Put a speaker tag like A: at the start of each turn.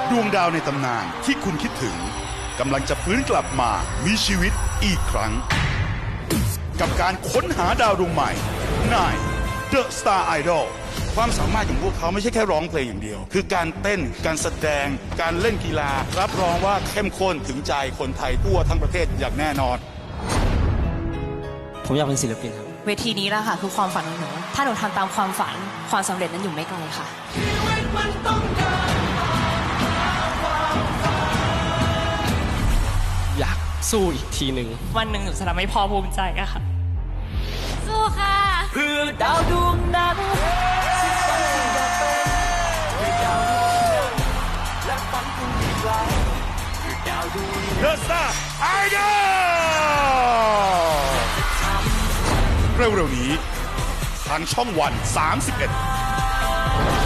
A: ดวงดาวในตำนานที่คุณคิดถึงกำลังจะฟื้นกลับมามีชีวิตอีกครั้ง กับการค้นหาดาวดวงใหม่ใน The Star Idol ความสามารถของพวกเขาไม่ใช่แค่ร้องเพลงอย่างเดียว คือการเต้นการแสดงการเล่นกีฬารับรองว่าเข้มข้นถึงใจคนไทยทั่วทั้งประเทศอย่างแน่นอน
B: ผมอยากเป็นศิลปินครับ
C: เวทีนี้แหละค่ะคือความฝันของหนูถ้าหนูทำตามความฝันความสำเร็จนั้นอยู่ไม่ไกลค่ะ
B: อยากสู้อีกทีหนึ่ง
C: วันหนึ่งหนูจะทำให้พ่อภูมิใจอะค่ะ สู้ค่ะ
B: เพื่อดาวดวงนั้น
A: The Star Idol เร็วๆนี้ทางช่องวัน 31